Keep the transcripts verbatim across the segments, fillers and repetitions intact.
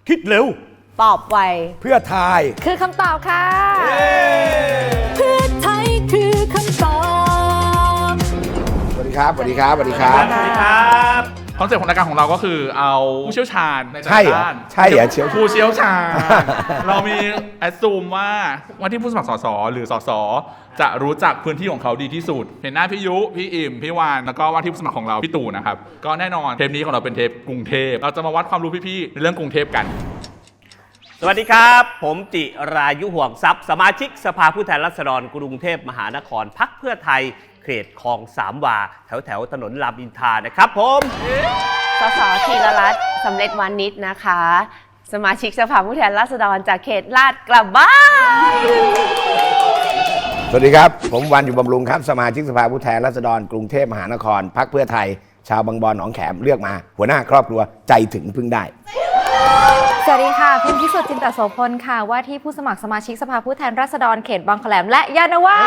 คิดเร็วตอบไวเพื่อไทยคือคำตอบค่ะเพื่อไทยคือคำตอบสวัสดีครับสวัสดีครับสวัสดีครับสวัสดีครับคอนเซ็ปต์ของรายการของเราก็คือเอาผู้เชี่ยวชาญในด้านใช่เหรอเชี่ยวผู้เชี่ยวชาญเรามีแอดซูมว่าว่าที่ผู้สมัครสสหรือสสจะรู้จักพื้นที่ของเขาดีที่สุดเห็นหน้าพี่ยุพี่อิ่มพี่วานแล้วก็ว่าที่ผู้สมัครของเราพี่ตู่นะครับก็แน่นอนเทปนี้ของเราเป็นเทปกรุงเทพเราจะมาวัดความรู้พี่ๆในเรื่องกรุงเทพกันสวัสดีครับผมจิรายุห่วงทรัพย์สมาชิกสภาผู้แทนราษฎรกรุงเทพมหานครพรรคเพื่อไทยเขตคลองสามวาแถวแถวถนนรามอินทรานะครับผมสสธีรรัตน์สำเร็จวานิชนะคะสมาชิกสภาผู้แทนราษฎรจากเขตลาดกระบังสวัสดีครับผมวันอยู่บำรุงครับสมาชิกสภาผู้แทนราษฎรกรุงเทพมหานครพรรคเพื่อไทยชาวบางบอนหนองแขมเลือกมาหัวหน้าครอบครัวใจถึงพึ่งได้สวัสดีค่ะพิมพิสุทธิ์จินตโสพลค่ะว่าที่ผู้สมัครสมาชิกสภาผู้แทนราษฎรเขตบางแคลมและยานาวา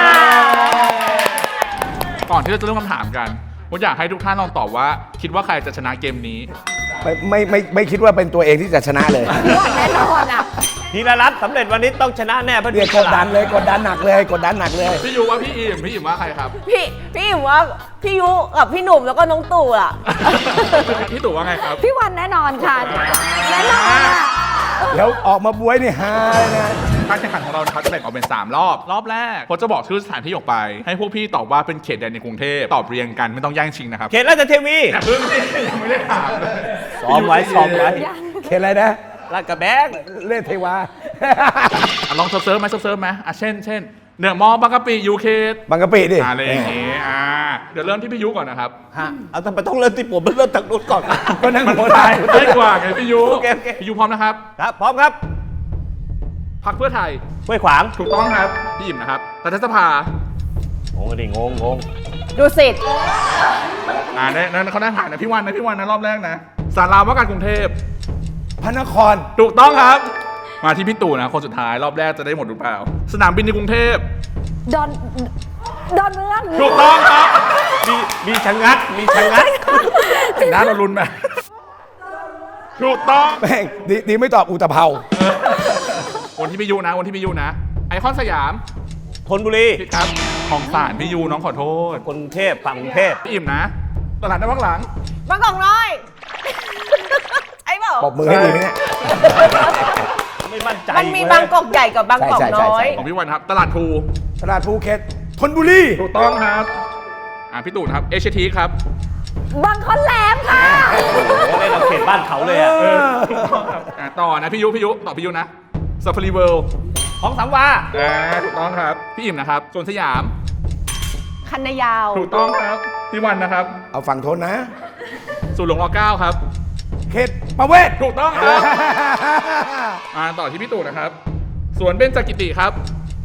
ก่อนที่เราจะเริ่มคำถามกันผมอยากให้ทุกท่านลองตอบว่าคิดว่าใครจะชนะเกมนี้ไม่ไม่ไม่ไม่คิดว่าเป็นตัวเองที่จะชนะเลยแน่นอนอ่ะธีรรัตน์สำเร็จวันนี้ต้องชนะแน่เพื่อนกดดันเลยกดดันหนักเลยกดดันหนักเลยพี่ยูว่าพี่อิ่มพี่อิ่มว่าใครครับพี่พี่อิ่มว่าพี่ยุกับพี่หนุ่มแล้วก็น้องตู่อ่ะพี่ตู่ว่าไงครับพี่วันแน่นอนค่ะแน่นอนอ่ะแล้วออกมาบวยนี่ฮาเลยนะการแข่งขันของเรานะครับจะแบ่งออกเป็นสามรอบรอบแรกเขาจะบอกชื่อสถานที่ออกไปให้พวกพี่ตอบว่าเป็นเขตใดในกรุงเทพตอบเรียงกันไม่ต้องแย่งชิงนะครับเขตราชเทวีแต่เพิ่งยังไม่ได้ถามเลยซ้อมไว้ซ้อมไว้เขตอะไรนะลาดกระแบงเล่นเทวาลองเซิร์ฟไหมเซิร์ฟไหมอ่ะเช่นเช่นเนือมอบางกะปิยูเคสบางกะปิดิอะไรอย่างงี้อ่าเดี๋ยวเริ่มที่พี่ยุก่อนนะครับฮะเอาทำไมต้องเริ่มที่ผมเริ่มจากนู้นก่อนก็นั่งหัวใจได้กว่าไงพี่ยุพี่ยุพร้อมนะครับครับพร้อมครับพรรคเพื่อไทยห้วยขวางถูกต้องครับพี่อิ่มนะครับรัฐสภางงดิงงงงดูสิอ่านั่นเขาได้ผ่านนะพี่วันนะพี่วันนะรอบแรกนะศาลาว่าการกรุงเทพพระนครถูกต้องครับมาที่พี่ตู่นะคนสุดท้ายรอบแรกจะได้หมดหรือเปล่าสนามบินในกรุงเทพดอนดอนเมืองถูกต้องครับมีมีชะงักมีชะงักน้าเราลุ้นไหมถูกต้องแม่งดีดีไม่ตอบอุตภเปาวันที่พี่ยูนะวันที่พี่ยูนะไอคอนสยามธนบุรีครับของศาลพี่ยูน้องขอโทษกรุงเทพฝั่งกรุงเทพพี่อิ่มนะตลาดน้ำบางหลังบางกอกน้อยไอ้เปล่าปรบมือให้ดีไหมเนี่ยไม่มั่นใจมันมีบางกอกใหญ่กับบางกอกน้อยของพี่วันครับตลาดภูตลาดภูเก็ตธนบุรีถูกต้องครับอ่าพี่ตู่ครับเอชทีครับบางคอนแหลมค่ะโอ้โหได้เราเขตบ้านเขาเลยอ่ะต่อนะพี่ยุพี่ยุต่อพี่ยุนะซาฟารีเวิลด์ของสามวาอ่าถูกต้องครับพี่อิ่มนะครับสวนสยามคันนายาวถูกต้องครับพี่วันนะครับเอาฝั่งทนนะสุหลวงรอเก้าครับเขตประเวศถูกต้องครับอ่าต่อที่พี่ตู่นะครับสวนเบญจกิติครับ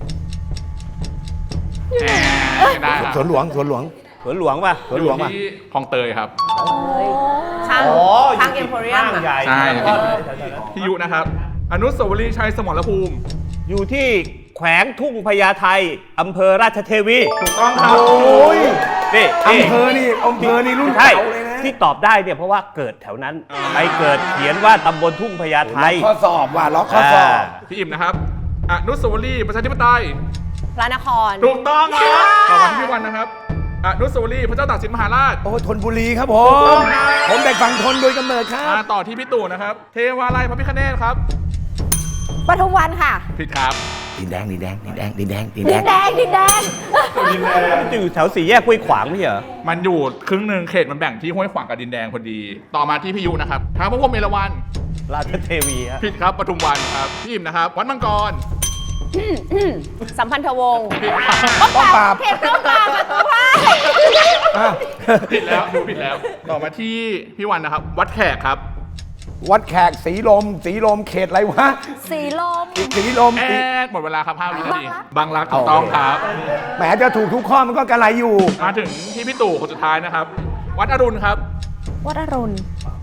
ได้สวนหลวงสวนหลวงสวนหลวงป่ะสวนหลวงป่ะที่คลองเตยครับช่างช่างเอ็มโพเรียมใช่พี่ยุนะครับอนุสาวรีย์ชัยสมรภูมิอยู่ที่แขวงทุ่งพญาไทอำเภอราชเทวีถูกต้องครับโอ้ยนี่อำเภอนี่อำเภอนี่รุ่นเก่าเลยนะที่ตอบได้เนี่ยเพราะว่าเกิดแถวนั้นไปเกิดเขียนว่าตำบลทุ่งพญาไทล็อกข้อสอบว่ะล็อกข้อสอบพี่อิ่มนะครับอนุสาวรีย์ประชาธิปไตยพระนครถูกต้องครับต่อมาที่พี่วันนะครับอนุสาวรีย์พระเจ้าตากสินมหาราชโอ้ธนบุรีครับผมผมเด็กฝั่งทนโดยกำเนิดครับต่อที่พี่ตู่นะครับเทวาลัยพระพิฆเนศครับปทุมวันค่ะผิดครับดินแดงดินแดงดินแดงดินแดงดินแดงดินแดงดินแดงอยู่แถวสี่แยกห้วยขวางไม่ใช่เหรอมันอยู่ครึ่งหนึ่งเขตมันแบ่งที่ห้วยขวางกับดินแดงพอดีต่อมาที่พี่ยุนะครับท้าวพระพรหมเอราวัณราชเทวีผิดครับปทุมวันครับพี่อิ่มนะครับวัดมังกรสัมพันธวงศ์ป้องปราบเขตป้องปราบประตูพายผิดแล้วดูผิดแล้วต่อมาที่พี่วันนะครับวัดแขกครับวัดแขกสีลมสีลมเขตอะไรวะสีลมสีลมแอดหมดเวลาครับห้าวินาทีบางรักถูกต้องครับแหมจะถูกทุกข้อมันก็กระไรอยู่มาถึงที่พี่ตู่คนสุดท้ายนะครับวัดอรุณครับวัดอรุณ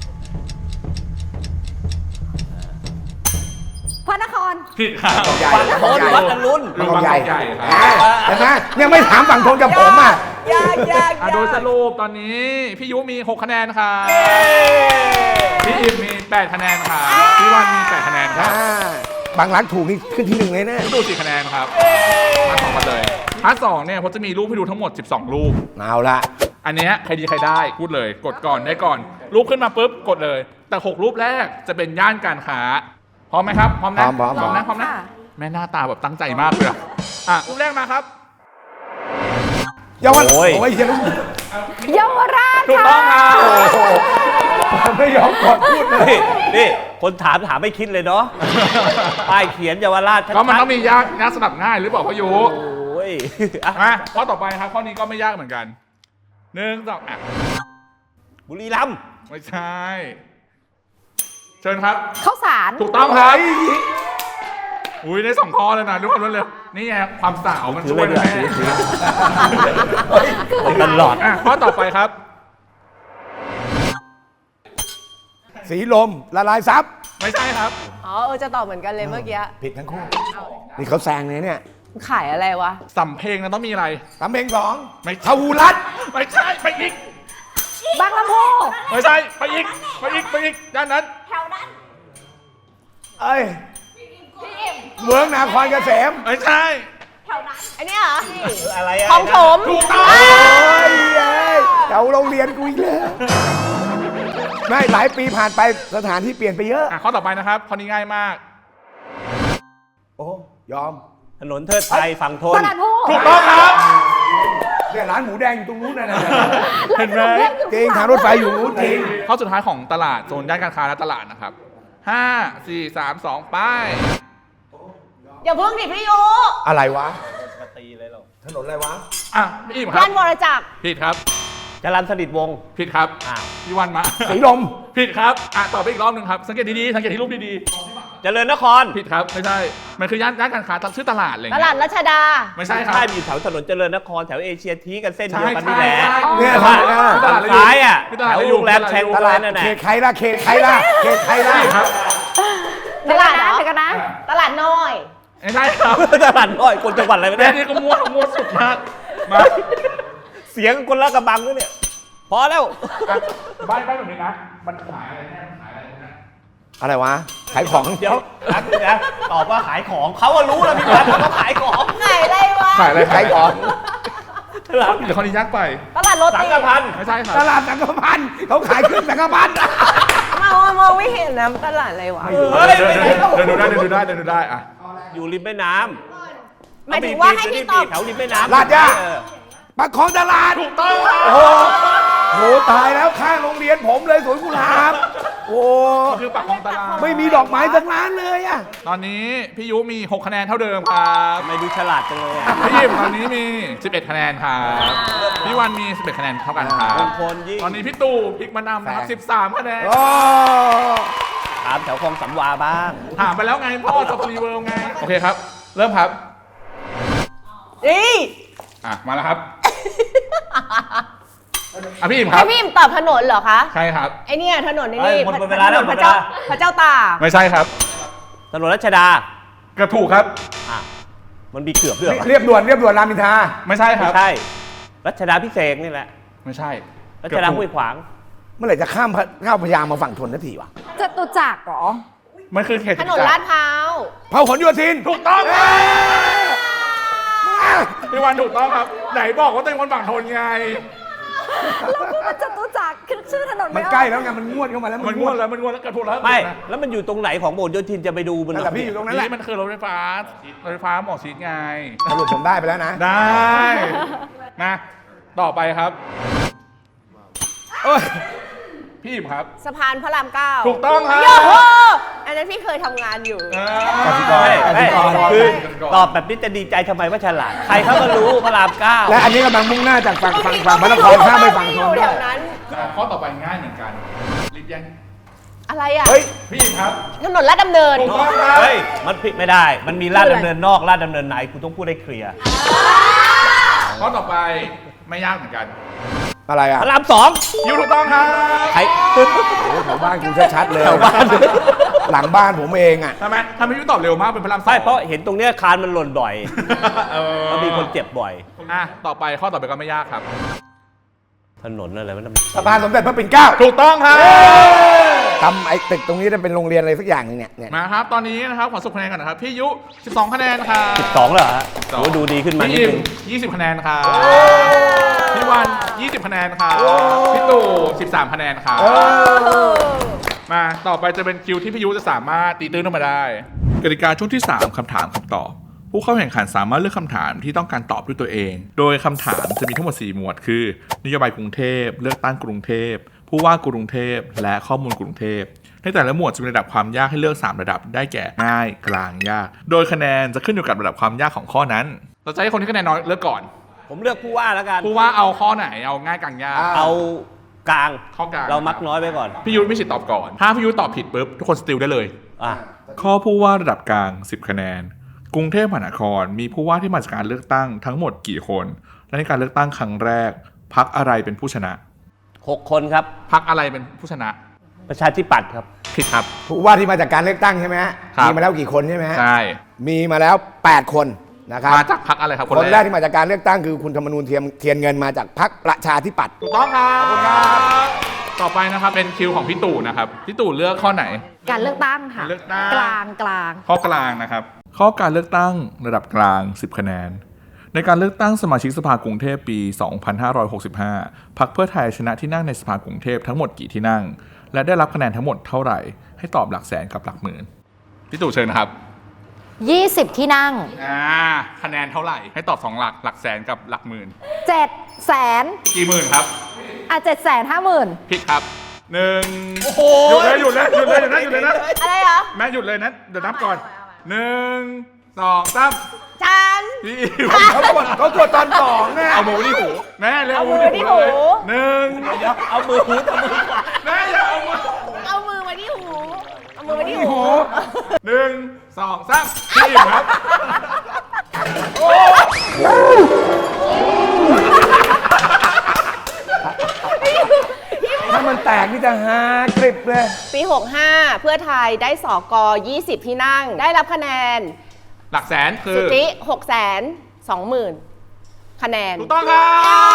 พระนครผิดครับใหญ่วัดอรุณบางใหญ่เห็นไหมยังไม่ถามฝั่งทนกับผมอ่ะยากยากอ่ะโดยสรุปตอนนี้พี่ยุมีหกคะแนนค่ะพี่อิมมีแปดคะแนนค่ะพี่วันมีแปดคะแนนครับอ่าบางรักถูกนี่ขึ้นที่หนึ่งเลยนะพี่ดูสี่คะแนนครับพาร์ทสองกันเลยพาร์ทสองเนี่ยผมจะมีรูปให้ดูทั้งหมดสิบสองรูปเอาละอันเนี้ยใครดีใครได้พูดเลยกดก่อนได้ก่อน รูปขึ้นมาปุ๊บกดเลย แต่หกรูปแรกจะเป็นย่านการค้าพร้อมไหมครับพร้อมนะพร้อมพร้อมพร้อมนะพร้อมนะค่ะแม่หน้าตาแบบตั้งใจมากเลยอะอ่ะรูปแรกมาครับเยาวราชโอ้ยโอ้ยเหี้ยังเยาวราชถูกต้องครับโอ้โหไม่ยอมกดพูดเลยนี่นี่คนถามถามไม่คิดเลยเนาะ ป้ายเขียนเยาวราชชัดๆก็มันต้องมียากยากสลับง่ายหรือเปล่าพ่อยุโอ้ยอ่ะมาข้อต่อไปครับข้อนี้ก็ไม่ยากเหมือนกันหนึ่งสองอ่ะบุรีรัมย์ไม่ใช่เชิญครับข้าวสารถูกต้องครับอุ้ยได้สองข้อเลยนะรู้กันเลยนี่ไงความสาวมันถือช่วยเลเลย ยถืแม่อถือตลอดอ่ะข้อต่อไปครับสีลมละลายซับไม่ใช่ครับอ๋อเออจะตอบเหมือนกันเลยเมื่อกี้ผิดทั้งคู่นี่เขาแซงเลยเนี่ยขายอะไรวะสำเพลงนั้นต้องมีอะไรตำเพลงสองไม่ทวูรัตน์ไม่ใช่ไปอีกบางลำพูไม่ใช่ไปอีกไปอีกไปอีกด้านนั้นเอ้ยเมืองนาครเกษมไม่ใช่อันนี้เหรออะไรอะของถมถูกต้องโอ้ยเอ้ยแถวโรงเรียนกูอีกแล้วไม่หลายปีผ่านไปสถานที่เปลี่ยนไปเยอะอ่ะข้อต่อไปนะครับข้อนี้ง่ายมากโอ้ยอมถนนเทิดไทยฝั่งทนตลาดพูถูกต้องครับเนี่ยร้านหมูแดงอยู่ตรงนู้นนะนะเห็นไหมจริงทางรถไฟอยู่นู้นจริงข้อสุดท้ายของตลาดโซนย่านการค้าและตลาดนะครับห้าสี่สามสองไป้ายอย่าเพิ่งดิพี่ยุอะไรวะตีเลยเราถนนอะไรวะอ่ะพี่อิ่มครัย่าบนวรจักรผิดครับจรัญสนิทวงศ์ผิดครับอ้าวพี่วันมาสีลมผิดครับอ่ะตอบไปอีกรอบหนึ่งครับสังเกตดีๆสังเกตที่รูปดีเจริญนครๆผิดครับไม่ใช่มันคือย่านย่านการค้าชื่อตลาดอะไรตเงี้ลาดยรัชดาไม่ใช่ครับใช่มีอยู่แถวถนนเจริญนครแถวเอเชียทีกันเส้นใช่เดียวกันใช่นี่แหละใช่เนี่ยแต่ว่าตลาดซ้ายอ่ะตแถลาดวอะไรอโรงแรมแชงตอะไรลาดนั่นแหละเขตใครล่ะเขตใครล่ะเขตใครล่ะครับตลาดเหรอเดี๋ยวกันนะตลาดน้อยไม่ใช่ครับตลาดน้อยคนจังหวัดอะไรไม่แม่ได้นี่ก็มั่วมั่วสุดมากมาเสียงคนละกระบังด้วยเนี่ยพอแล้วอ่ะบ้านบ้านแบบนี้นะมันขายอะไรแน่มันขายอะไรนะอะไรวะ ขายของเดี๋ยวรักนึงนะตอบว่าขายของเขาก็รู้แล้วพี่พันเขาขายของไหนอะไรวะขายอะไรขายของตลาดเดี๋ยวคนนี้ยากไปตลาดโรสังตีกพันธ์ไม่ใช่ครับตลาดสังกพันธ์เขาขายเครื่องสังกพันธ์มามองมองไม่เห็นนะตลาดอะไรวะเฮ้ยเดินไม่เดินได้เดินดูได้เดินดูได้เดินดูได้อ่ะอยู่ริมแม่น้หมายำถึงว่าให้พี่ตอบแถวริมแม่น้ำลาดย่าเออปากของตลาดถูกต้องครับโอ้โหตายแล้วข้างโรงเรียนผมเลยสวนกุหลาบ โอ้ก็คือปากคลองตลาดไม่มีดอกไม้สักร้านเลยอะตอนนี้พี่ยุมีหกคะแนนเท่าเดิมครับทำไมดูฉลาดจังเลยอะพี่ยิมตอนนี้มีสิบเอ็ดคะแนนครับพี่วันมีสิบเอ็ดคะแนนเท่ากันครับมงคลยิ่งตอนนี้พี่ตู่พลิกมานำนะครับสิบสามคะแนนโอ้ถามแถวคลองสำวาบ้างถามไปแล้วไงพ่อสปรีเวิลด์ไงโอเคครับ เริ่มครับนี่อ่ะมาแล้วครับอ่ะพี่อิมครัให้บพี่อิมตอบถนนเหรอคะใช่ครับไอเนี่ยถนนไอ้เอ้ยนี่หมดเวลาแล้วถนนหมพดระเวลาเจ้าพระเจ้าตากไม่ใช่ครับถนนรัชดาเกือบถูกครับอ่ะมันมีเกือบด้วยเหรอเรียบด่วนเรียบด่วนรามอินทราไม่ใช่คไม่รับใช่ รัชดาพิเศษกนี่แหละไม่ใช่รัชดาห้วยขวางเมื่อไหร่จะข้ามพระข้ามพระยามาฝั่งทนนาทีวะจตุจักรเหรอมันคือเขตถนนลาดพร้าวเผาขนโยธินถูกต้องเอ้ยพี่วันถูกต้องครับ ไหนบอกว่าตัวเองคนฝั่งทนไงแล้วกูมันจตุจักรคือชื่อถนนมันไออกใกล้แล้วไงมันงวดเข้ามาแล้วมันงวดแล้วมันงวดแล้วเกือบถูกแล้วไม่ แล้วมันอยู่ตรงไหนของโบสถ์โยธินจะไปดูมันแต่พี่อยู่ตรงนั้นแหละนี่มันคือรถไฟฟ้ารถไฟฟ้าหมอชิดไงสรุปผมได้ไปแล้วนะได้นะต่อไปครับเอ้ยพี่อิมครับสะพานพระรามเก้าถูกต้องครับโยโหอันนั้นพี่เคยทำงานอยู่กสิกรไม่ไม่กสิกรคือตอบแบบนี้จะดีใจทำไมว่าฉลาด ใครเขาก็รู้พระรามเก้าและอันนี้กำลังมุ่งหน้าจากฝั่งฝั่งฝั่งพระนครข้ามไปฝั่งทอน ยู่ด้แถวยวนั้นอ่ะข้อต่อไปง่ายเหมือนกันรีบยังอะไรอ่ะเฮ้ยพี่อิมครับถนนลาดดำเนินถูกต้องครับเฮ้ย มันผิดไม่ได้ มันมีลาดดำเนินนอกลาดดำเนินในกูต้องพูดให้เคลียร์ข้อต่อไปไม่ยากเหมือนกันอะไรอ่ะพระรามสองยูถูกต้องครับใครโอ้โหแถวบ้านกูชัดๆเลยแถวบ้านหลังบ้านผมเองอ่ะทำไมทำไมยูตอบเร็วมากเป็นพระรามสองใช่เพราะเห็นตรงเนี้ยคานมันหล่นบ่อยเออแล้วมีคนเจ็บบ่อยคนอ่ะต่อไปข้อต่อไปก็ไม่ยากครับถนนอะไรวะนั่นสะพานสมเด็จพระปิ่นเกล้าถูกต้องครับทำไอ้ตึกตรงนี้จะเป็นโรงเรียนอะไรสักอย่างหนึงเนี่ยเนี่ยมาครับตอนนี้นะครับขอสรุปคะแนนก่อนนะครับพี่ยุสิบสองคะแนนครับสิบสองเหรอฮะโอ้ดูดีขึ้นมานิดพี่นึงยี่สิบคะแนนครับพี่วันยี่สิบคะแนนครับพี่ตู่สิบสามคะแนนครับมาต่อไปจะเป็นคิวที่พี่ยุจะสามารถตีตื้นออกมาได้กติกาช่วงที่สามคำถามคำตอบผู้เข้าแข่งขันสามารถเลือกคำถามที่ต้องการตอบด้วยตัวเอง โดยคำถามจะมีทั้งหมดสี่หมวดคือนโยบายกรุงเทพเลือกตั้งกรุงเทพผู้ว่ากรุงเทพและข้อมูลกรุงเทพในแต่ละหมวดจะมีระดับความยากให้เลือกสามระดับได้แก่ง่ายกลางยากโดยคะแนนจะขึ้นอยู่กับระดับความยากของข้อนั้นเราจะให้คนที่คะแนนน้อยเลือกก่อนผมเลือกผู้ว่าแล้วกันผู้ว่าเอาข้อไหนเอาง่ายกลางยากเอากลางข้อกลางเรามักน้อยไปก่อนพี่ยุทธมีสิทธิ์ตอบก่อนถ้าพี่ยุทธตอบผิดปุ๊บทุกคนสติลได้เลยอ่ะข้อผู้ว่าระดับกลางสิบคะแนนกรุงเทพมหานครมีผู้ว่าที่มาจากการเลือกตั้งทั้งหมดกี่คนและในการเลือกตั้งครั้งแรกพรรคอะไรเป็นผู้ชนะหกคนครับพรรคอะไรเป็นผู้ชนะประชาธิปัตย์ครับผิดครับผู้ว่าที่มาจากการเลือกตั้งใช่ไหมฮะครับมีมาแล้วกี่คนใช่ไหมฮะใช่มีมาแล้วแปดคนนะครับมาจากพรรคอะไรครับคนแรกที่มาจากการเลือกตั้งคือคุณธรรมนูญเทียมเทียนเงินมาจากพรรคประชาธิปัตย์ถูกต้องครับต่อไปนะครับเป็นคิวของพี่ตู่นะครับพี่ตู่เลือกข้อไหนการเลือกตั้งค่ะการเลือกตั้งกลางกลางข้อกลางนะครับ ข้อการเลือกตั้งระดับกลางสิบคะแนนในการเลือกตั้งสมาชิกสภากรุงเทพปี สองพันห้าร้อยหกสิบห้า พรรคเพื่อไทยชนะที่นั่งในสภากรุงเทพทั้งหมดกี่ที่นั่ง และได้รับคะแนนทั้งหมดเท่าไหร่ให้ตอบหลักแสนกับหลักหมื่นพี่ตู่เชิญนะครับยี่สิบที่นั่งอ่าคะแนนเท่าไหร่ให้ตอบสองหลักหลักแสนกับหลักหมื่นเจ็ดแสนกี่หมื่นครับอ่ะเจ็ดแสนห้าหมื่นผิดครับหนึ่งหยุดเลยหยุดเลยหยุดเลยหยุดเลยหยุดเลยนะอะไรเหรอแม่หยุดเลยนะเดี๋ยวนับก่อนหนึ่งสองสามฉันพี่อิ๋วเขากดเขากดตอนสองนะเอามือไว้ที่หูแม่เร็วเอามือไว้ที่หูเลยหนึ่งเดี๋ยวเอามือหูเอามือขวาแม่อย่าเอามือเอามือไว้ที่หู เอามือไว้ที่หูหนึ่งสองสามพี่อิ๋วครับถ้ามันแตกนี่จะฮากริบเลยปี หกห้า เพื่อไทยได้สกยี่สิบที่นั่ง ได้รับคะแนนหลักแสนคือสุจิหกแสนสองหมื่นคะแนนถูกต้องครับ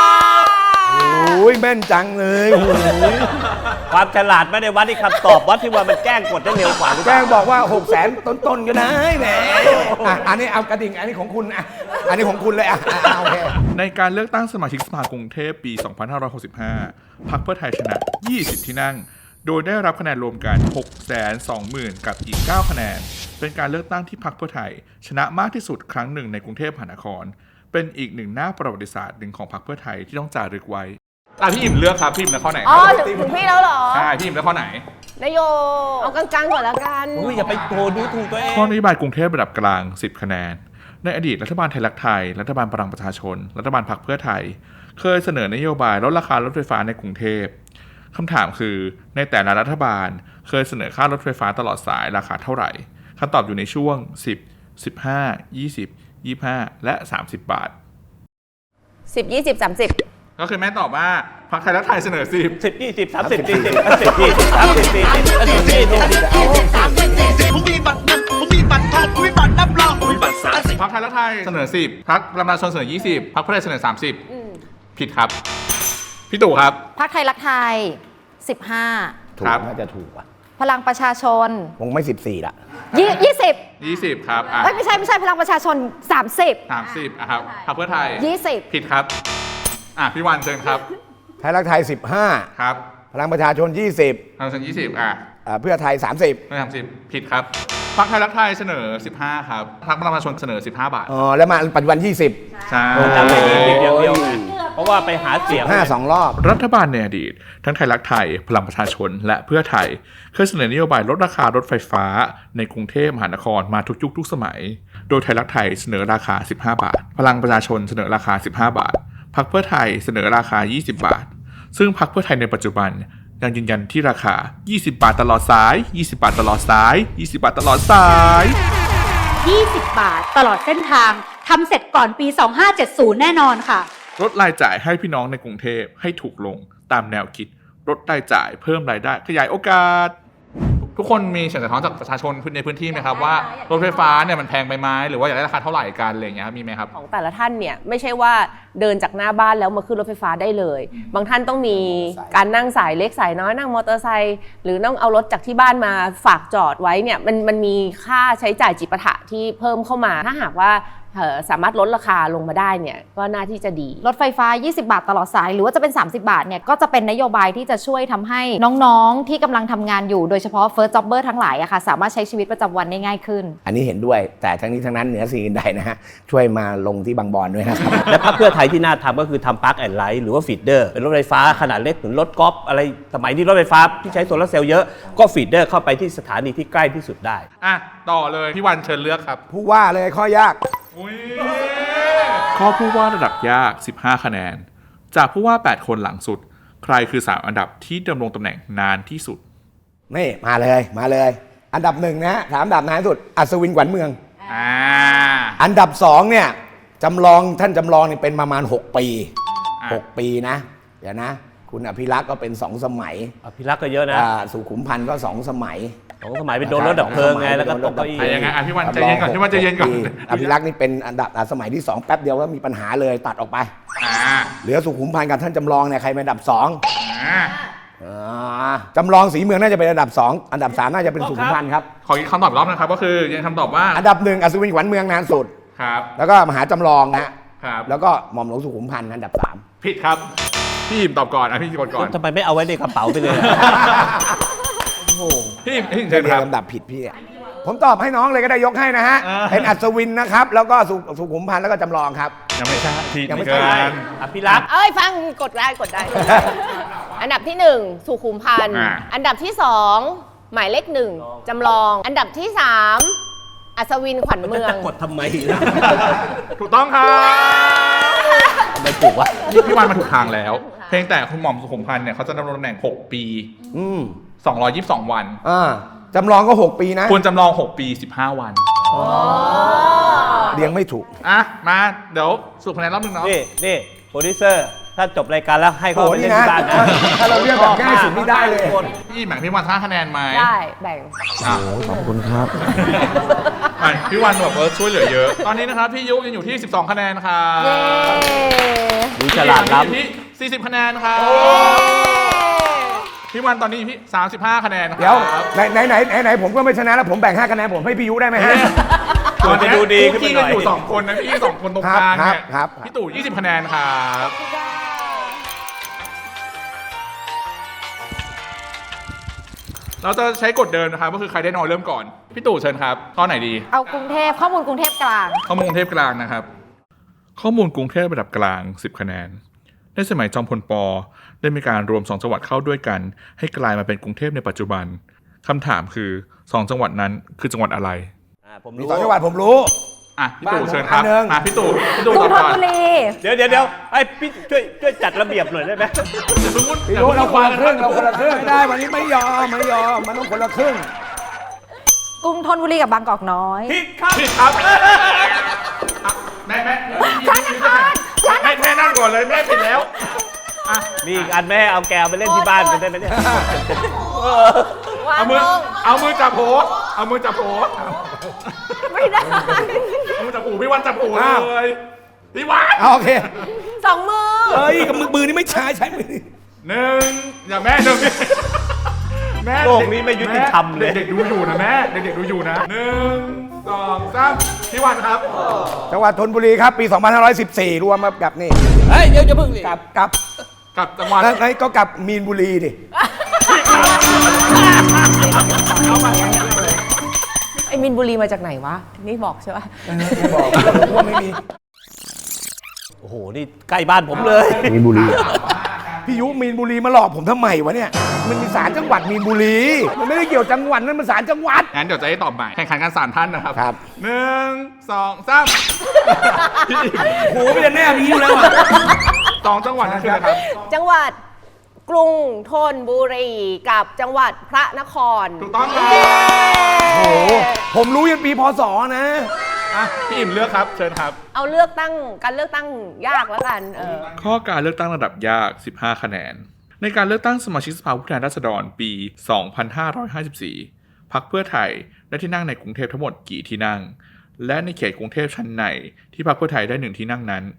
โอ้ยแม่นจังเลยโอ้โหความฉลาดไม่ได้วัดที่คำตอบวัดที่ว่ามันแกล้งกดได้เร็วกว่าหรือเปแจ้ล่างบอกว่าหกแสนต้นๆก็ได้แหมอ่ะอันนี้เอากระดิ่งอันนี้ของคุณอ่ะอันนี้ของคุณเลยอ่ะอ่ะโอเคในการเลือกตั้งสมาชิกสภากรุงเทพปี สองพันห้าร้อยหกสิบห้า พรรคเพื่อไทยชนะ ยี่สิบ ที่นั่ง โดยได้รับคะแนนรวมกัน หกแสนสองหมื่น กับอีก เก้า คะแนน เป็นการเลือกตั้งที่พรรคเพื่อไทยชนะมากที่สุดครั้งหนึ่งในกรุงเทพมหานคร เป็นอีกหนึ่งหน้าประวัติศาสตร์หนึ่งของพรรคเพื่อไทยที่ต้องจารึกไว้อ่ะพี่อิ่มเลือกครับพี่อิ่มเลือกข้อไหนอ๋อ ถึงถึงพี่แล้วเหรอใช่พี่อิ่มเลือกข้อไหนนโยเอากลางๆก่อนแล้วกันอุ้ยอย่าไปโทดูถูกตัวเองข้อนโยบายกรุงเทพระดับกลาง สิบ คะแนน ในอดีตรัฐบาลไทยรักไทย รัฐบาลพลังประชาชน รัฐบาลพรรคเพื่อไทย เคยเสนอนโยบายลดราคารถไฟฟ้าในกรุงเทพคำถามคือในแต่ละรัฐบาลเคยเสนอค่ารถไฟฟ้าตลอดสายราคาเท่าไหร่คำตอบอยู่ในช่วง สิบ สิบห้า ยี่สิบ ยี่สิบห้า และ สามสิบ บาทสิบ ยี่สิบ สามสิบก็คือแม่ตอบว่าพรรคไทยรักไทยเสนอ สิบสิบยี่สิบสามสิบสี่สิบสิบยี่สิบสามสิบสี่สิบสิบยี่สิบผมมีบัตรเงินผมมีบัตรทองผมมีบัตรนับรองผมมีบัตรสามสิบพรรคไทยรักไทยเสนอ สิบ พรรคประชาชนเสนอ ยี่สิบ พรรคเพื่อไทยเสนอ สามสิบ ผิดครับ พี่ตู่ครับพรรคไทยรักไทยสิบห้าถูกครับน่าจะถูกว่ะพลังประชาชนคงไม่สิบสี่ละยี่ยี่สิบยี่สิบ ครับอ่ะเอ้ยไม่ใช่ไม่ใช่พลังประชาชนสามสิบสามสิบอ่ะครับพรรคเพื่อไทยยี่สิบผิดครับอ่ะพี่วันเชิญครับไทยรักไทยสิบห้าครับพลังประชาชนยี่สิบพลังประชาชนยี่สิบอ่ะอ่าเพื่อไทยสามสิบไม่ทำสิบผิดครับพรรคไทยรักไทยเสนอ สิบห้า ครับพรรคประชาชนเสนอ สิบห้า บาทอ๋อแล้วมาปัจจุบันยี่สิบใช่ทำอย่างนี้เดียวเดียวไงเพราะว่าไปหาเสียงห้าสองรอบรัฐบาลในอดีตทั้งไทยรักไทยพลังประชาชนและเพื่อไทยเคยเสนอนโยบายลดราคารถไฟฟ้าในกรุงเทพมหานครมาทุกยุคทุกสมัย โดยไทยรักไทยเสนอราคา สิบห้า บาท พลังประชาชนเสนอราคา สิบห้า บาทพรรคเพื่อไทยเสนอราคา ยี่สิบ บาท ซึ่งพรรคเพื่อไทยในปัจจุบันยังยืนยันที่ราคา ยี่สิบ บาทตลอดสาย ยี่สิบ บาทตลอดสาย ยี่สิบ บาทตลอดสายยี่สิบ บาทตลอดเส้นทางทำเสร็จก่อนปี สองห้าเจ็ดศูนย์ แน่นอนค่ะลดรายจ่ายให้พี่น้องในกรุงเทพให้ถูกลงตามแนวคิดลดรายจ่ายเพิ่มรายได้ขยายโอกาส ทุกคนมีเสียงสะท้อนจากประชาชนในพื้นที่ไหมครับว่ารถไฟฟ้าเนี่ยมันแพงไปไหมหรือว่าอยากได้ราคาเท่าไหร่กันอะไรอย่างเงี้ยครับมีไหมครับของแต่ละท่านเนี่ยไม่ใช่ว่าเดินจากหน้าบ้านแล้วมาขึ้นรถไฟฟ้าได้เลย บางท่านต้องมีการนั่งสายเล็กสายน้อยนั่งมอเตอร์ไซค์หรือต้องเอารถจากที่บ้านมาฝากจอดไว้เนี่ยมันมันมีค่าใช้จ่ายจิปาถะที่เพิ่มเข้ามาถ้าหากว่าสามารถลดราคาลงมาได้เนี่ยก็น่าที่จะดีรถไฟฟ้ายี่สิบบาทตลอดสายหรือว่าจะเป็นสามสิบบาทเนี่ยก็จะเป็นนโยบายที่จะช่วยทำให้น้องๆที่กำลังทำงานอยู่โดยเฉพาะ first jobber ทั้งหลายอะค่ะสามารถใช้ชีวิตประจำวันได้ง่ายขึ้นอันนี้เห็นด้วยแต่ทั้งนี้ทั้งนั้นเหนือสิ่งอื่นใดนะฮะช่วยมาลงที่บางบอนด้วยนะครับและพรรคเพื่อไทยที่น่าทำก็คือทำปาร์คแอนด์ไลท์หรือว่าฟีดเดอร์เป็นรถไฟฟ้าขนาดเล็กเหมือนรถกอล์ฟอะไรสมัยนี้รถไฟฟ้าที่ใช้โซลาร์เซลล์เยอะก็ฟีดเดอร์เข้าไปที่สถานีที่ใกล้ที่สุดได้อ่ะต่อเลยพี่วันเชิญเลือกครับผู้ว่าเลยข้อยากข้อผู้ว่าระดับยากสิบห้าคะแนนจากผู้ว่าแปดคนหลังสุดใครคือสามอันดับที่ดำรงตำแหน่งนานที่สุดนี่มาเลยมาเลยอันดับหนึ่งนะสามอันดับนานที่สุดอัศวินขวัญเมืองอ่าอันดับสองเนี่ยจำลองท่านจำลองนี่เป็นประมาณหกปีหกปีนะเดี๋ยวนะคุณอภิรักษ์ก็เป็นสองสมัยอภิรักษ์ก็เยอะนะสุขุมพันธ์ก็สองสมัยสองสมัยเป็นโดนรถดับเพลิงไงแล้วก็ตกเก้าอี้ยังไงอภิวันใจเย็นก่อนพี่วันใจเย็นก่อนอภิรักษ์นี่เป็นอันดับสมัยที่สองแป๊บเดียวก็มีปัญหาเลยตัดออกไปเหลือสุขุมพันธ์กับท่านจำลองเนี่ยใครเป็นอันดับสองจำลองสีเมืองน่าจะเป็นอันดับสองอันดับสามน่าจะเป็นสุขุมพันธ์ครับขออีกคำตอบรอบนะครับก็คือยังคำตอบว่าอันดับหนึ่งอัศวินขวัญเมืองนานสุดครับแล้วก็มหาจำลองนะครับแล้วก็หม่อมหลวงสุขุมพันธ์อันดับสามผิดครับพี่หิมตอบก่อนอ่ะพี่กดก่อนทำไมไม่เอาไว้ในกระเป๋าไปเลยพี่หิมพี่หิมเชิญครับลำดับผิดพี่ผมตอบให้น้องเลยก็ได้ยกให้นะฮะเป็นอัศวินนะครับแล้วก็สุขุมพันธ์แล้วก็จำลองครับยังไม่ใช่ยังไม่ใช่อภิรักษ์เอ้ยฟังกดได้กดได้อันดับที่หนึ่งสุขุมพันธ์อันดับที่สองหมายเลขหนึ่งจำลองอันดับที่สามอัศวินขวัญเมืองกดทำไมถูกต้องครับไม่ถูกวะพี่วันมาถูกทางแล้วเพียงแต่คุณหม่อมสุขุมพันธ์เนี่ยเขาจะดำรงตำแหน่งหกปีสองร้อยยี่สิบสองวันจำลองก็หกปีนะควรจำลองหกปีสิบห้าวันเรียงไม่ถูกอ่ะมาเดี๋ยวสรุปคะแนนรอบนึงเนาะนี่นี่โปรดิวเซอร์ถ้าจบรายการแล้วให้เขาไปเล่นที่บ้านนะถ้าเราเรียกแบบง่ายสุดไม่ได้เลยพี่แบ่งพี่วันห้าคะแนนไหมได้แบ่งโอ้ขอบคุณครับพี่วันแบบว่าช่วยเหลือเยอะตอนนี้นะครับพี่ยุยังอยู่ที่สิบสองคะแนนครับดูฉลาดล้ำที่สี่สิบคะแนนครับพี่วันตอนนี้พี่สามสิบห้าคะแนนเดี๋ยวไหนไหนไหนไหนผมก็ไม่ชนะแล้วผมแบ่งห้าคะแนนผมให้พี่ยุได้ไหมฮะตอนจะดูดีขึ้นไปหน่อยพี่อยู่สองคนนะพี่สองคนตรงกลางเนี่ยพี่ตู่ยี่สิบคะแนนครับเราจะใช้กฎเดิมนะครับก็คือใครได้น้อยเริ่มก่อนพี่ตู่เชิญครับข้อไหนดีเอากรุงเทพข้อมูลกรุงเทพกลางข้อมูลกรุงเทพกลางนะครับข้อมูลกรุงเทพระดับกลางสิบคะแนนในสมัยจอมพลป.ได้มีการรวมสองจังหวัดเข้าด้วยกันให้กลายมาเป็นกรุงเทพในปัจจุบันคำถามคือสองจังหวัดนั้นคือจังหวัดอะไรผมรู้สองจังหวัดผมรู้อ่ะพี่ตู่เชิญครับอ่ะพี่ตู่พี่ตู่ตอบก่อนเดี๋ยวเดี๋ยวเดี๋ยวไอ้พี่ช่วยช่วยจัดระเบียบหน่อยได้ไหมพี่ตู่เราคนละครึ่งเราคนละครึ่งไม่ได้วันนี้ไม่ยอมไม่ยอมมันต้องคนละครึ่งกรุงธนบุรีกับบางกอกน้อยผิดครับผิดครับแม่แม่แม่แม่นั่งก่อนเลยแม่ผิดแล้วมีอีกอันแม่เอาแกวไปเล่นที่บ้านกันได้ไหมเนี่ยเอามือเอามือจับโผเอามือจับโผไม่ได้เอามือจับหูพี่วันจับหูเลยพี่วันโอเคสองมือเฮ้ยกับมือมือนี่ไม่ใช่ใช้มือหนึ่งอย่าแม่หนึ่งแม่โลกนี้ไม่ยุติธรรมเลยเด็กดูอยู่นะแม่เด็กๆดูอยู่นะหนึ่งสองสามพี่วันครับจังหวัดธนบุรีครับปีสองพันห้าร้อยสิบสี่รวมมากับนี่เฮ้ยเดี๋ยวจะพึ่งดิกับกับกับจังหวัดแล้วก็กับมีนบุรีดิไอ้มีนบุรีมาจากไหนวะนี่บอกใช่ป่ะไม่บอกว่าไม่มีโอ้โหนี่ใกล้บ้านผมเลยมีนบุรีพี่ยุมีนบุรีมาหลอกผมทำไมวะเนี่ยมันมีศาลจังหวัดมีนบุรีมันไม่ได้เกี่ยวจังหวัดนั่นมันศาลจังหวัดงั้นเดี๋ยวจะให้ตอบใหม่แข่งขันกันศาลท่านนะครับครับหนึ่งสองสามโหไม่ได้แน่มีอยู่แล้วอ่ะสองจังหวัดนั่นคืออะไรครับจังหวัดกรุงธนบุรีกับจังหวัดพระนครถูกต้องครับโอ้โหผมรู้ยันปีพศนะอ่ะพี่อิ่มเลือกครับเชิญครับเอาเลือกตั้งการเลือกตั้งยากแล้วกันเออข้อการเลือกตั้งระดับยากสิบห้าคะแนนในการเลือกตั้งสมาชิกสภาผู้แทนราษฎรปีสองพันห้าร้อยห้าสิบสี่พรรคเพื่อไทยได้ที่นั่งในกรุงเทพทั้งหมดกี่ที่นั่งและในเขตกรุงเทพชั้นในที่พรรคเพื่อไทยได้หนึ่งที่นั่งนั้น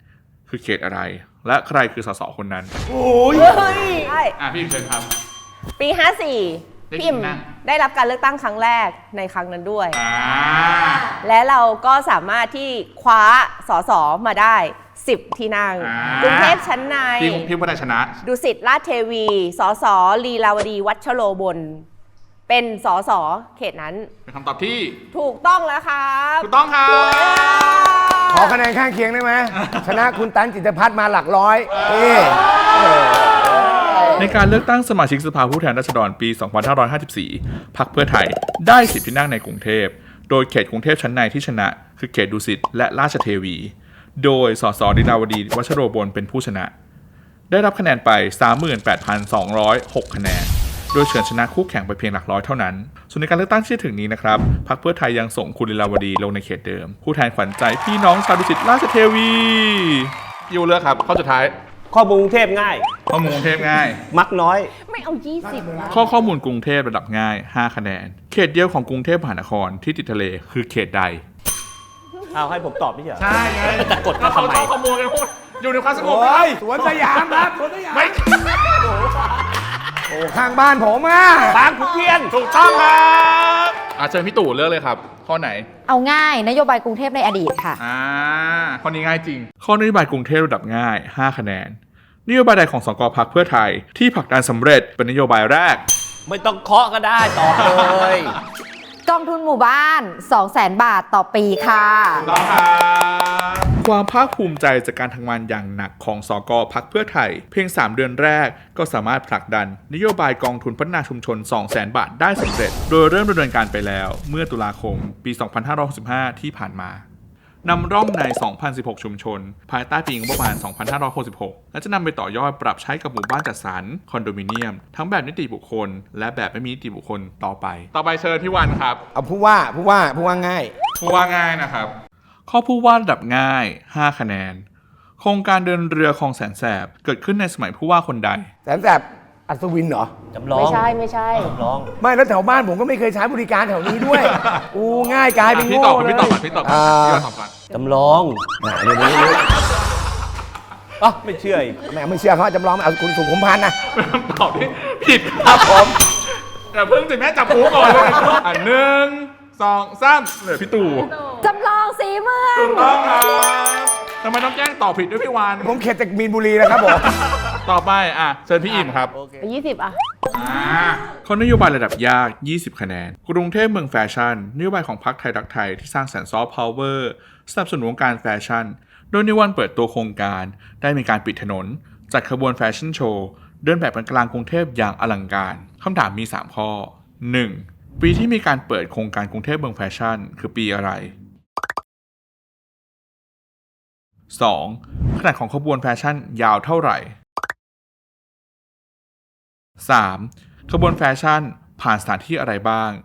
คือเขตอะไร และใครคือสสคนนั้นโอ้ยใช่อ่ะพี่อิมเชิญครับปี ห้าสี่ได้พี่อิมที่นั่งได้รับการเลือกตั้งครั้งแรกในครั้งนั้นด้วยอ่าและเราก็สามารถที่คว้าสสมาได้สิบที่นั่งอ่ากรุงเทพชั้นในพี่พี่พัฒนชนะดุสิตราชเทวี สสลีลาวดีวัชโรบล เป็นสสเขตนั้นเป็นคำตอบที่ถูกต้องแล้วครับถูกต้องครับขอคะแนนข้างเคียงได้ไหม ชนะคุณตันจิตรพัฒน์มาหลักร้อยนี่ในการเลือกตั้งสมาชิกสภาผู้แทนราษฎรปี สองพันห้าร้อยห้าสิบสี่ พรรคเพื่อไทยได้สิบที่นั่งในกรุงเทพ โดยเขตกรุงเทพชั้นในที่ชนะ คือเขตดุสิตและราชเทวี โดยสสลีลาวดีวัชโรบลเป็นผู้ชนะ ได้รับคะแนนไป สามหมื่นแปดพันสองร้อยหก คะแนน โดยเฉือนชนะคู่แข่งไปเพียงหลักร้อยเท่านั้น ส่วนในการเลือกตั้งที่ถึงนี้นะครับ พรรคเพื่อไทยยังส่งคุณลีลาวดีลงในเขตเดิม ผู้แทนขวัญใจพี่น้องชาวดุสิตราชเทวียูเลือกครับข้อสุดท้ายข้อมูลกรุงเทพง่ายข้อมูลกรุงเทพง่ายมักน้อยไม่เอา ยี่สิบนะข้อข้อมูลกรุงเทพระดับง่าย ห้า คะแนน เขตเดียวของกรุงเทพมหานครที่ติดทะเลคือเขตใดเอาให้ผมตอบไม่ใช่เหรอใช่ไงจะกดกันทำไมเขาขโมยกันอยู่ในความสงบโอ้ยสวนสยามครับสวนสยามไม่โอ้ข้างบ้านผมอ่ะบางขุนเทียนถูกต้องครับอ่ะเชิญพี่ตู่เลือกเลยครับ ข้อไหนเอาง่ายนโยบายกรุงเทพในอดีตค่ะอ่า ข้อนี้ง่ายจริง ข้อนโยบายกรุงเทพระดับง่าย ห้า คะแนน นโยบายใดของสกพรรคเพื่อไทยที่ผลักดันสำเร็จเป็นนโยบายแรกไม่ต้องเคาะก็ได้ตอบเลยกองทุนหมู่บ้าน สองแสน บาทต่อปีค่ะต้องครับความภาคภูมิใจจากการทำงานอย่างหนักของสกพรรคเพื่อไทย เพียง สาม เดือนแรกก็สามารถผลักดันนโยบายกองทุนพัฒนาชุมชน สองแสน บาทได้สำเร็จ โดยเริ่มดำเนินการไปแล้วเมื่อตุลาคมปี สองพันห้าร้อยหกสิบห้า ที่ผ่านมานำร่องใน สองพันสิบหก ชุมชน ภายใต้ปีงบประมาณ สองพันห้าร้อยหกสิบหก และจะนำไปต่อยอดปรับใช้กับหมู่บ้านจัดสรรคอนโดมิเนียม ทั้งแบบนิติบุคคล และแบบไม่มีนิติบุคคลต่อไป ต่อไปเชิญพี่วันครับเอาผู้ว่าผู้ว่าผู้ว่าง่ายผู้ว่าง่ายนะครับ ข้อผู้ว่าระดับง่าย ห้า คะแนน โครงการเดินเรือคลองแสนแสบเกิดขึ้นในสมัยผู้ว่าคนใดแสนแสบอัศวินเหรอจำลองไม่ใช่ไม่ใช่จำลองไม่แล้วแถวบ้านผมก็ไม่เคยใช้บริการแถวนี้ด้วย อูง่ายกลายเป็นพี่โง่ตอบก่อนเลยพี่ตอบก่อนพี่ตอบก่อนอ่าพี่วันตอบก่อนจำลองอ่ะเดี๋ยวนี้อ๋อไม่เชื่ออีกแม่ไม่เชื่อเขาจำลองเอาคุณสุขุมพันธ์นะเป็นคำตอบที่ผิดครับผมแต่เพิ่งสิแม่จับหูก่อนเลยอ่ะหนึ่งสองสามเหลือพี่ตู่จำลองสีเมืองถูกต้องครับทำไมต้องแจ้งตอบผิดด้วยพี่วานผมเขตจากมีนบุรีนะครับผมต่อไปอ่ะเชิญพี่อิ่มครับยี่สิบอ่ะข้อนโยบายระดับยาก ยี่สิบ คะแนน กรุงเทพเมืองแฟชั่น นโยบายของพรรคไทยรักไทยที่สร้างสรรค์ซอฟต์พาวเวอร์สนับสนุนวงการแฟชั่น โดยในวันเปิดตัวโครงการได้มีการปิดถนน จัดขบวนแฟชั่นโชว์ เดินแบบกันกลางกรุงเทพอย่างอลังการ คำถามมี สาม ข้อ หนึ่ง ปีที่มีการเปิดโครงการกรุงเทพเมืองแฟชั่น คือปีอะไร สอง ขนาดของขบวนแฟชั่นยาวเท่าไหร่ สาม ขบวนแฟชั่นผ่านสถานที่อะไรบ้าง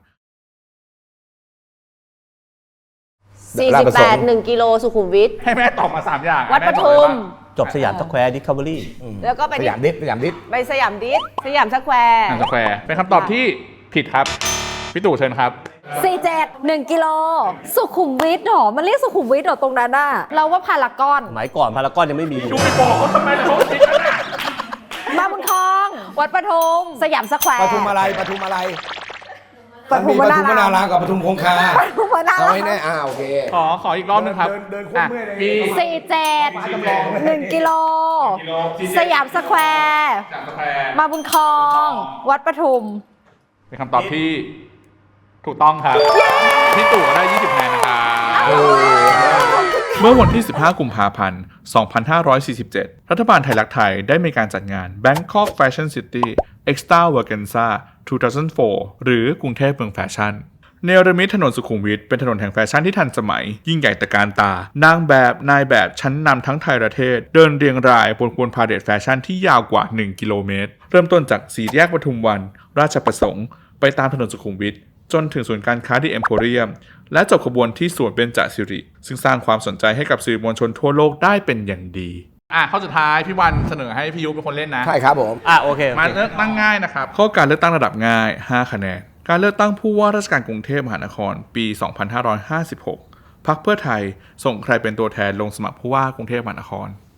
สี่สิบแปด หนึ่งกิโลสุขุมวิทให้แม่ตอบมาสามอย่างวัดปทุมจบสยามสแควร์ดิสคัฟเวอรี่แล้วก็ไปสยามดิสสยามดิสไปสยามดิสสยามสแควร์อ่างสแควร์เป็นคำตอบที่ผิดครับ พี่ตู่เชิญครับสี่สิบเจ็ด หนึ่งกิโล สุขุมวิทหรอ มันเรียกสุขุมวิทหรอตรงนั้นน่ะ เราว่าพารากอนสมัยก่อนพารากอนยังไม่มีดูไปบอกเขาทำไมเลยเขาผิดนะมาบุญครอง วัดปทุม สยามสแควร์ปทุมอะไรปทุมอะไรปทุมปวนารามทุมวนารามกับปทุมคงคาปทุมวนาเอาราให้แน่อ่าโอเคขอขออีกรอบหนึงครับเดินเดินโคตรเมื่อยเลยปีสี่สิบเจ็ด หนึ่งกิโล สยามสแควร์จากสแควร์มาบุญครอง วัดปทุมเป็นคำตอบที่ถูกต้องครับ พี่ตู่ก็ได้ ยี่สิบ คะแนนนะครับเมื่อวันที่ สิบห้า กุมภาพันธ์ สองพันห้าร้อยสี่สิบเจ็ด รัฐบาลไทยรักไทยได้มีการจัดงาน Bangkok Fashion City Extravaganza สองพันสี่ หรือกรุงเทพเมืองแฟชั่น เนรมิตถนนสุขุมวิทเป็นถนนแห่งแฟชั่นที่ทันสมัย ยิ่งใหญ่ตระการตา นางแบบนายแบบชั้นนำทั้งไทยประเทศ เดินเรียงรายบนขบวนพาเหรดแฟชั่นที่ยาวกว่า หนึ่ง กิโลเมตร เริ่มต้นจากสี่แยกปทุมวัน ราชประสงค์ ไปตามถนนสุขุมวิทจนถึงศูนย์การค้าที่เอ็มโพเรียม และจบขบวนที่สวนเบญจสิริ ซึ่งสร้างความสนใจให้กับสื่อมวลชนทั่วโลกได้เป็นอย่างดี อ่ะข้อสุดท้ายพี่วันเสนอให้พี่ยุเป็นคนเล่นนะใช่ครับผมอ่ะโอเคโอมาเคเลือกตั้งง่ายนะครับ ข้อการเลือกตั้งระดับง่าย ห้า คะแนน การเลือกตั้งผู้ว่าราชการกรุงเทพมหานคร ปี สองพันห้าร้อยห้าสิบหก พรรคเพื่อไทยส่งใครเป็นตัวแทนลงสมัครผู้ว่ากรุงเทพมหานคร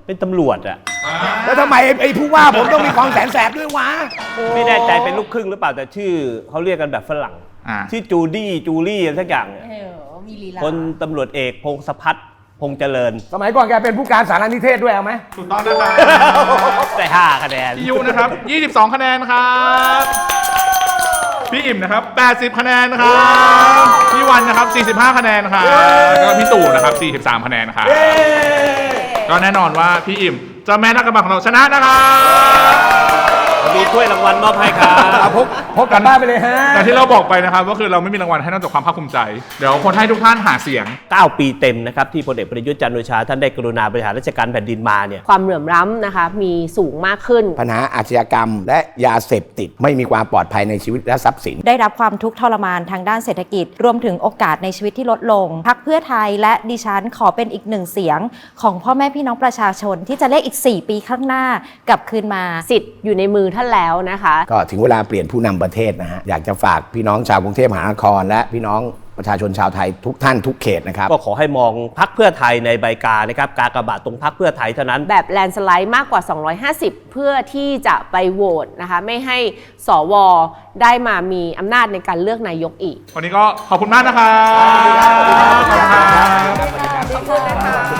เป็นตำรวจอะแล้วทำไมไอ้ไอ้ผู้ว่าผมต้องมีความแสนแสบด้วยวะไม่แน่ใจเป็นลูกครึ่งหรือเปล่าแต่ชื่อเขาเรียกกันแบบฝรั่งอ่าชื่อจูดี้จูลี่อะไรสักอย่างเนี่ยคนตำรวจเอกพงศพัฒน์พงษ์เจริญสมัยก่อนแกเป็นผู้การสารนิเทศด้วยเอาไหมถูกต้องนะครับได้ห้าคะแนนพี่ยุนะครับ ยี่สิบสอง คะแนนครับ พี่อิ่มนะครับ แปดสิบ คะแนนครับ พี่วันนะครับ สี่สิบห้า คะแนนครับแล้วก็พี่ตู่นะครับ สี่สิบสาม คะแนนครับ ก็แน่นอนว่าพี่อิ่มเจ้าแม่นักกำบังของเราชนะนะครับมีถ้วยรางวัลมอบให้ครับเอาพกพกกลับบ้านไปเลยฮะแต่ที่เราบอกไปนะครับก็คือเราไม่มีรางวัลให้นอกจากความภาคภูมิใจ เดี๋ยวคนให้ทุกท่านหาเสียงเก้า ปีเต็มนะครับที่พลเอกประยุทธ์จันทร์โอชาท่านได้กรุณาบริหารราชการแผ่นดินมาเนี่ยความเหลื่อมล้ำนะคะมีสูงมากขึ้นปัญหาอาชญากรรมและยาเสพติดไม่มีความปลอดภัยในชีวิตและทรัพย์สินได้รับความทุกข์ทรมานทางด้านเศรษฐกิจ รวมถึงโอกาสในชีวิตที่ลดลงพรรคเพื่อไทยและดิฉันขอเป็นอีกหนึ่งเสียงของพ่อแม่พี่น้องประชาชนที่จะเลขอีก สี่ ปีข้างหน้ากลับคืนมาสิทธิ์อยู่ในมือท่านแล้วนะคะก็ถึงเวลาเปลี่ยนผู้นำประเทศนะฮะ อยากจะฝากพี่น้องชาวกรุงเทพมหานคร และพี่น้องประชาชนชาวไทยทุกท่านทุกเขตนะครับก็ขอให้มองพรรคเพื่อไทยในใบกานะครับกากบาทตรงพรรคเพื่อไทยเท่านั้นแบบแลนสไลด์มากกว่า สองร้อยห้าสิบ เพื่อที่จะไปโหวตนะคะไม่ให้สวได้มามีอำนาจในการเลือกนายกอีกวันนี้ก็ขอบคุณมากนะครับขอบคุณครับขอบคุณนะคะ